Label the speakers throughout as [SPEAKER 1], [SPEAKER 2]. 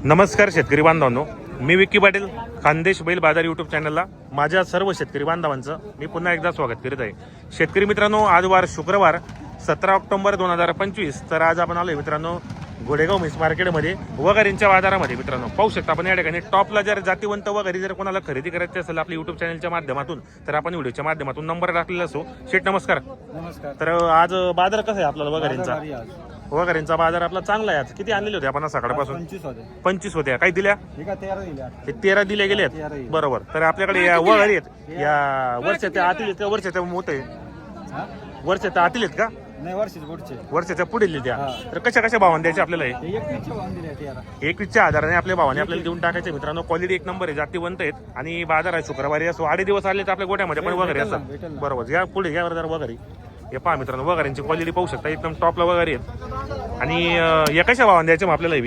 [SPEAKER 1] नमस्कार शेतकरी बांधवांनो, मी विक्की पाटील, खानदेश बैल बाजार यूट्यूब चॅनलला माझ्या सर्व शेतकरी बांधवांचं मी पुन्हा एकदा स्वागत करीत आहे. शेतकरी मित्रांनो, आज वार शुक्रवार 17 ऑक्टोबर 2025. तर आज आपण आलोय मित्रांनो घोडेगाव मिस मार्केटमध्ये वगैरेंच्या बाजारामध्ये. मित्रांनो पाहू शकता आपण या ठिकाणी टॉपला जर जातीवंत वगैरे जर कोणाला खरेदी करायची असेल आपल्या यूट्यूब चॅनलच्या माध्यमातून तर आपण व्हिडिओच्या माध्यमातून नंबर टाकलेला असो. शेठ नमस्कार.
[SPEAKER 2] नमस्कार.
[SPEAKER 1] तर आज बाजार कसा आहे आपल्याला वगैरेंचा? वगैरेंचा बाजार आपला चांगला आहे. आज किती आणलेले होते आपण सकाळपासून? 25 होत्या. काही दिल्या? 13 दिल्या गेल्यात. बरोबर. तर आपल्याकडे या वगैरे आहेत, या वर्षाच्या आतील आहेत का वर्षाच्या मोठे? वर्षाच्या आतील आहेत का?
[SPEAKER 2] नाही,
[SPEAKER 1] वर्षाच्या पुढे लिहिल्या. तर कशा कशा भावाने द्यायचे आपल्याला? 21च्या आधाराने आपल्या भावाने आपल्याला देऊन टाकायचे. मित्रांनो क्वालिटी एक नंबर आहे, जातीवंत आहेत आणि बाजार आहे शुक्रवारी असो. 8 दिवस आले तर आपल्या गोट्यामध्ये पण वगैरे असतात. बरोबर. या पुढे यावर जर वगैरे हे पहा मित्रांनो, वगैरेंची क्वालिटी पाहू शकता, एकदम टॉपला वगैरे आहेत. आणि या कशा भावाने द्यायचे मग आपल्याला?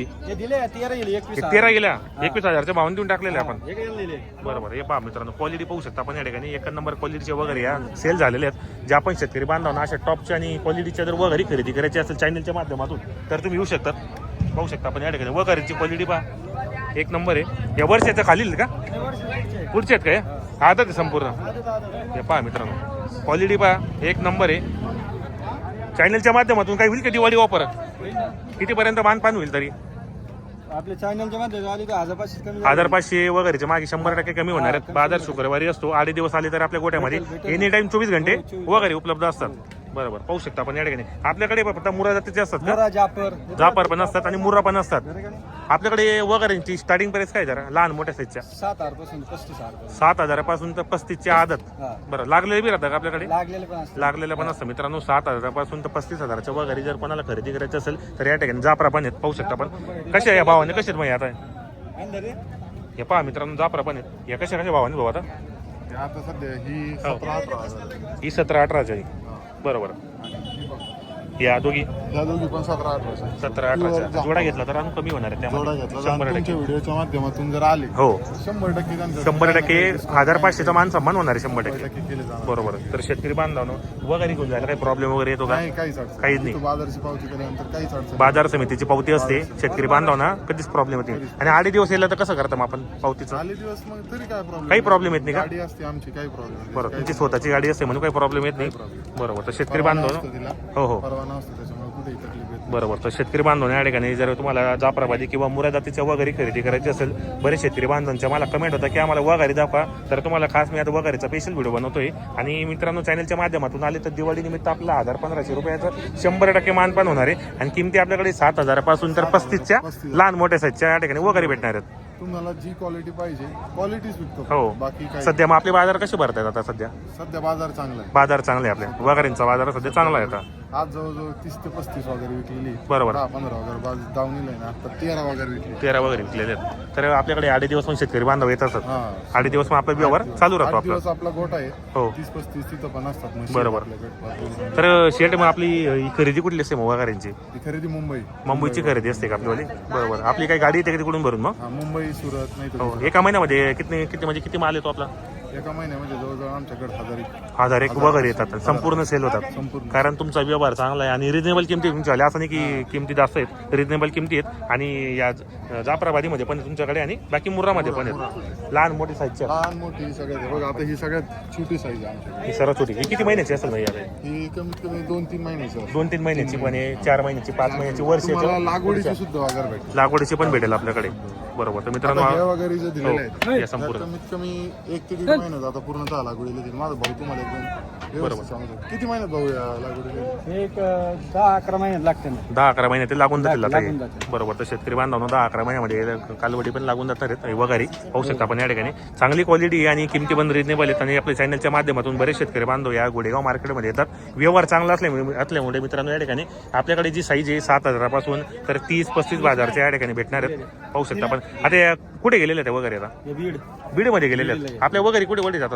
[SPEAKER 1] 13 गेल्या 21,000च्या भावाने देऊन टाकलेले आपण. बरोबर. हे पहा मित्रांनो, क्वालिटी पाहू शकता आपण या ठिकाणी. एक नंबर क्वालिटीचे वगैरे या सेल झालेले आहेत. जे आपण शेतकरी बांधवांना अशा टॉपच्या आणि क्वालिटीच्या जर वगैरे खरेदी करायची असेल चॅनलच्या माध्यमातून तर तुम्ही येऊ शकतात. पाहू शकता आपण या ठिकाणी वगैरेची क्वालिटी पहा, एक नंबर आहे. या वर्षाच्या खालील का पुढचे आहेत काय? आदत आहे संपूर्ण. हे पहा मित्रांनो, क्वालिटी पहा, एक नंबर आहे. चॅनलच्या माध्यमातून काही होईल का दिवाळी ऑफर? कितीपर्यंत मानपान होईल तरी?
[SPEAKER 2] आपल्या चॅनलच्या मध्ये
[SPEAKER 1] 1500 वगैरेच्या मागे 100% कमी होणार आहेत. बाजार शुक्रवारी असतो. 8 दिवस आले तर आपल्या गोट्यामध्ये एनी टाइम 24 घंटे वगैरे उपलब्ध असतात. बरोबर. पाहू शकता आपण या ठिकाणी. आपल्याकडे फक्त मुरा जातीचे असतात का? जापर पण असतात आणि मुरा पण असतात. आपल्याकडे वगैरेंची स्टार्टिंग प्राइस काय जरा लहान मोठ्या साईजच्या? 7,000 पासून तर 35ची आदत. बरं. लागलेले बी राहतात का आपल्याकडे? लागलेले पण असतं मित्रांनो. 7,000 पासून तर 35,000च्या वगैरे जर कोणाला खरेदी करायची असेल तर या ठिकाणी जापरा पण आहेत. पाहू शकता आपण कशा या भावाने कसे मग आता हे पहा मित्रांनो, जापरा पण आहेत. या कशा कशा भावाने भाऊ आता?
[SPEAKER 3] आता सध्या ही 17-18
[SPEAKER 1] ही 17-18ची आहे. बरोबर. या दोघी
[SPEAKER 3] या दोघी पण 17-18
[SPEAKER 1] 17-18 जोडा घेतला तर अजून कमी होणार आहे
[SPEAKER 3] जोडा
[SPEAKER 1] त्यामध्ये
[SPEAKER 3] घेतला.
[SPEAKER 1] 100%
[SPEAKER 3] तुमच्या व्हिडिओच्या माध्यमातून जर आले
[SPEAKER 1] हो
[SPEAKER 3] 100% त्यांचं
[SPEAKER 1] 100% 1500चा मान सन्मान होणार आहे 100%.
[SPEAKER 3] केले जाणार.
[SPEAKER 1] बरोबर. तर शेतकरी बांधवांनो वगैरे घेऊन जायला काही प्रॉब्लेम वगैरे येतो का?
[SPEAKER 3] नाही, काहीच अडचण
[SPEAKER 1] काहीच नाही.
[SPEAKER 3] बाजाराची पावती केल्यानंतर काहीच अडचण
[SPEAKER 1] बाजार समितीची पावती असते. शेतकरी बांधवांना कधीच प्रॉब्लेम येत नाही. आणि 8 दिवस येईल तर कसं करता मग आपण पावतीचं?
[SPEAKER 3] आले दिवस मग तरी काय प्रॉब्लेम?
[SPEAKER 1] काही प्रॉब्लेम येत नाही का?
[SPEAKER 3] गाडी असते आमची, काही प्रॉब्लेम.
[SPEAKER 1] बरोबर. तुमची स्वतःची गाडी असते म्हणून काही प्रॉब्लेम येत नाही. बरोबर. तर शेतकरी बांधवांनो हो हो
[SPEAKER 3] परवाना असतो, त्याच्यामुळे कुठेही तकलीफ येत नाही.
[SPEAKER 1] बरोबर. तर शेतकरी बांधवांना या ठिकाणी जर तुम्हाला जाफराबादी किंवा मुरा जातीच्या वगैरे खरेदी करायची असेल, बरेच शेतकरी बांधवांच्या मला कमेंट होता की आम्हाला वगैरे दाखवा. तर तुम्हाला खास मी आता वगैरेचा स्पेशल व्हिडिओ बनवतोय. आणि मित्रांनो चॅनलच्या माध्यमातून आले तर दिवाळी निमित्त आपला 1,000-1,500 रुपयाचं 100% मानपान होणार आहे. आणि किमती आपल्याकडे 7,000 पासून तर 35च्या लहान मोठ्या साईजच्या या ठिकाणी वगैरे भेटणार आहेत.
[SPEAKER 3] तुम्हाला जी क्वालिटी पाहिजे क्वालिटीच विकतो.
[SPEAKER 1] हो.
[SPEAKER 3] बाकी काय
[SPEAKER 1] सध्या मग आपले बाजार कसे भरतायत आता?
[SPEAKER 3] सध्या बाजार चांगला आहे.
[SPEAKER 1] बाजार चांगले आहे आपल्या वगैरेंचा बाजार सध्या चांगला आहे आता.
[SPEAKER 3] आज जवळजवळ 30 ते 35 वगैरे विकलेली.
[SPEAKER 1] बरोबर.
[SPEAKER 3] 10-15 वगैरे दावणीला आहे ना. आता 13 वगैरे विकली.
[SPEAKER 1] 13 वगैरे विकलेले आहेत. तर आपल्याकडे 8 दिवस पण शेतकरी बांधव येत असतात.
[SPEAKER 3] हा.
[SPEAKER 1] 8 दिवस मग आपला व्यवहार चालू राहतो
[SPEAKER 3] 8 दिवस
[SPEAKER 1] आपला.
[SPEAKER 3] आपला गोठा आहे.
[SPEAKER 1] हो.
[SPEAKER 3] 30-35 तिथं पण असतात म्हशी
[SPEAKER 1] बरोबर.
[SPEAKER 3] आपल्याकडे.
[SPEAKER 1] तर शेट मग आपली ही खरेदी कुठली असते मग वगैरेंची?
[SPEAKER 3] ही खरेदी
[SPEAKER 1] मुंबईची खरेदी असते का आपल्यावाली? बरोबर. आपली काही गाडी येते तिकडून भरून मग?
[SPEAKER 3] हा, मुंबई, सुरत नाही
[SPEAKER 1] हो.
[SPEAKER 3] तर
[SPEAKER 1] एका महिन्यामध्ये किती म्हणजे किती माल येतो आपला?
[SPEAKER 3] एका महिन्यामध्ये जवळजवळ आमच्याकडे
[SPEAKER 1] 1,000 वगैरे येतात. संपूर्ण सेल होतात.
[SPEAKER 3] संपूर्ण.
[SPEAKER 1] कारण तुमचा व्यवहार चांगला आहे आणि रिजनेबल किमती तुमच्या असं नाही की किमती जास्त आहेत. रिजनेबल किमती आहेत. आणि या जाफराबादीमध्ये पण तुमच्याकडे आणि बाकी मुर्रामध्ये पण आहेत लहान मोठी साईजच्या.
[SPEAKER 3] लहान मोठी सगळ्यात. बघा आता ही सगळ्यात छोटी साईज आहे आमच्याकडे.
[SPEAKER 1] ही सर्वात छोटी. ही किती महिन्याची असेल भाई आता?
[SPEAKER 3] ही कमीत कमी 2-3 महिन्याची असते.
[SPEAKER 1] 2-3 महिन्याची पण आहे, 4 महिन्याची, 5 महिन्याची,
[SPEAKER 3] तुम्हाला
[SPEAKER 1] वर्षाची.
[SPEAKER 3] लागवडीची सुद्धा वगैरे भेटेल.
[SPEAKER 1] लागवडीची पण भेटेल आपल्याकडे. बरोबर. तर मित्रांनो
[SPEAKER 3] आता हे वगैरे जे दिलेले
[SPEAKER 1] हो,
[SPEAKER 3] आहेत
[SPEAKER 1] या संपूर्ण
[SPEAKER 3] कमीत कमी 1 ते 1.5 महिन्यात आता पूर्ण लागवडीला दिली. माझा भाऊ तुम्हाला एकदम व्यवस्थित सांगतो. किती महिन्यात भाऊ या लागवडीला?
[SPEAKER 2] एक 10-11 महिन्यात लागते ना.
[SPEAKER 1] 10-11 महिने ते लागून जातील आता हे.
[SPEAKER 2] लागून जातील.
[SPEAKER 1] बरोबर. तर शेतकरी बांधवांनो 10-11 महिन्यामध्ये कालवडी पण लागून जातात आहेत वगैरे. पाहू शकता आपण या ठिकाणी चांगली क्वालिटी आणि किमती पण रिजनेबल आहेत. आणि आपल्या चॅनलच्या माध्यमातून बरेच शेतकरी बांधव या गोडेगाव मार्केटमध्ये येतात. व्यवहार चांगला असल्यामुळे मित्रांनो या ठिकाणी आपल्याकडे जी साईज आहे 7,000 पासून तर 30-35 बाजारच्या या ठिकाणी भेटणार आहेत. पाहू शकता आपण. आता या कुठे गेलेले आहेत वगैरे? आता बीडमध्ये गेलेले आहेत. आपल्या वगैरे कुठे जातात?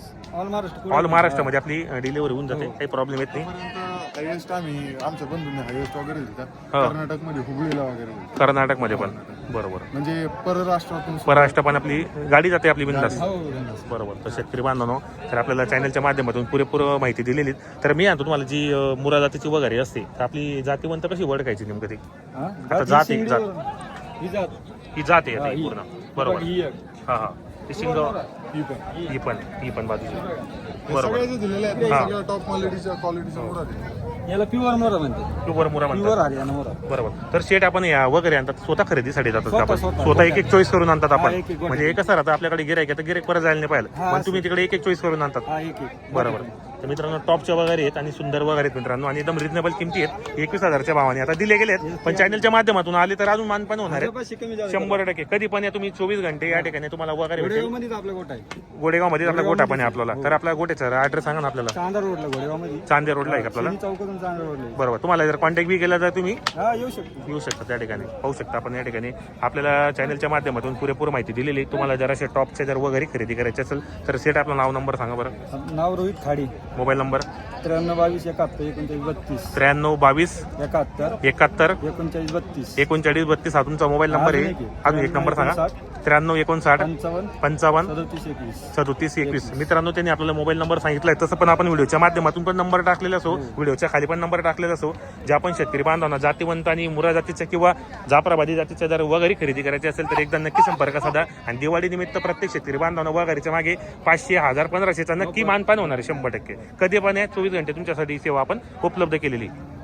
[SPEAKER 1] ऑल महाराष्ट्रामध्ये आपली डिलिव्हरी होऊन जाते. काही प्रॉब्लेम येत नाही.
[SPEAKER 3] हायवेस्ट आम्ही आमच्या बंधूंनी हायवेस्ट वगैरे दिला. कर्नाटकमध्ये हुबळीला वगैरे.
[SPEAKER 1] कर्नाटकमध्ये पण. बरोबर.
[SPEAKER 3] म्हणजे परराष्ट्रातून
[SPEAKER 1] परराष्ट्र पण आपली गाडी जाते आपली बिंदास. बरोबर. तर शेतकरी बांधवांनो तर आपल्याला चॅनलच्या माध्यमातून पुरेपूर माहिती दिलेली. तर मी आणतो तुम्हाला जी मुरा जातीची वगैरे असते तर आपली जातीवंत कशी ओळखायची नेमकं ती? आता जाती ही जाते
[SPEAKER 2] हा,
[SPEAKER 1] आता ही
[SPEAKER 2] ही.
[SPEAKER 1] पूर्ण बरोबर
[SPEAKER 2] ही एक.
[SPEAKER 1] हा हा ते शिंग
[SPEAKER 2] ही पण.
[SPEAKER 1] ही पण बाजूची
[SPEAKER 3] हे
[SPEAKER 1] बरोबर
[SPEAKER 3] सगळे जे दिलेले आहेत
[SPEAKER 1] हा.
[SPEAKER 3] ना, सगळ्या टॉप क्वालिटीच्या मुरा
[SPEAKER 2] याला प्युअर मोरा म्हणते.
[SPEAKER 1] प्युअर मुरा
[SPEAKER 2] प्युअर
[SPEAKER 1] म्हणतात
[SPEAKER 2] हरियाणा मोरा.
[SPEAKER 1] बरोबर तर शेट आपण या वगैरे आणतात स्वतः खरेदीसाठी जातात का आपण
[SPEAKER 2] स्वतः.
[SPEAKER 1] स्वतः एक एक चॉईस करून आणतात
[SPEAKER 2] हा,
[SPEAKER 1] आपण
[SPEAKER 2] एक- एक गोटी.
[SPEAKER 1] म्हणजे कसं राहतं आपल्याकडे गिरायक आहे तर गिरायक परत जायला नाही पाहिजे
[SPEAKER 2] हा,
[SPEAKER 1] पण तुम्ही तिकडे एक एक चॉईस करून आणतात
[SPEAKER 2] हा एक एक.
[SPEAKER 1] बरोबर तर मित्रांनो टॉपच्या वगैरे आहेत आणि सुंदर वगैरे आहेत मित्रांनो आणि एकदम रिजनेबल किमती आहेत 21,000च्या भावाने आता दिले गेले आहेत पण चॅनलच्या माध्यमातून आले तर अजून मानपान होणार आहेत
[SPEAKER 2] त्याच्यापाशी कमी जास्त.
[SPEAKER 1] 100% कधी पण या तुम्ही 24 घंटे या ठिकाणी तुम्हाला वगैरे भेटेल
[SPEAKER 2] घोडेगावमध्येच आपला गोठा आहे.
[SPEAKER 1] गोडेगाव मध्ये आपला गोठा पण आहे आपल्याला तर आपला गोट्याचा ऍड्रेस सांगा ना आपल्याला
[SPEAKER 2] चांदा रोडला घोडेगावमध्ये.
[SPEAKER 1] चांदे रोडला आहे का आपल्याला
[SPEAKER 2] शनी चौकातून चांदा रोडला आहे.
[SPEAKER 1] बरोबर तुम्हाला जर कॉन्टॅक्ट बी केला तर तुम्ही
[SPEAKER 2] हा येऊ शकतो.
[SPEAKER 1] येऊ शकता त्या ठिकाणी पाहू शकता आपण या ठिकाणी आपल्याला चॅनलच्या माध्यमातून पुरेपूर माहिती दिलेली आहे. तुम्हाला जर असे टॉपचे जर वगैरे खरेदी करायचे असेल तर सेट आपलं नाव नंबर सांगा बरं
[SPEAKER 2] नाव रोहित खाडी.
[SPEAKER 1] मोबाईल नंबर
[SPEAKER 2] 93 22 71 39
[SPEAKER 1] 93 22
[SPEAKER 2] 71
[SPEAKER 1] 71
[SPEAKER 2] 39 32
[SPEAKER 1] 39 32 हा तुमचा मोबाईल नंबर आहे अजून एक नंबर सांगा 93 59
[SPEAKER 2] 55
[SPEAKER 1] 55
[SPEAKER 2] 37 21
[SPEAKER 1] 37 21 मित्रांनो त्यांनी आपल्याला मोबाईल नंबर सांगितलाय तसं पण आपण व्हिडिओच्या माध्यमातून पण नंबर टाकलेला असो व्हिडिओच्या खाली पण नंबर टाकलेला असो ज्या पण शेतकरी बांधवांना जातीवंत आणि मुरा जातीच्या किंवा जाफराबादी जातीच्या जर वगैरे खरेदी करायची असेल तर एकदा नक्की संपर्क साधा आणि दिवाळी निमित्त प्रत्येक शेतकरी बांधवांना वगैरेच्या मागे 500 1000 1500चा नक्की मानपान होणार आहे 100%. कधी पण 24 घंटे तुमच्यासाठी सेवा आपण उपलब्ध केलेली.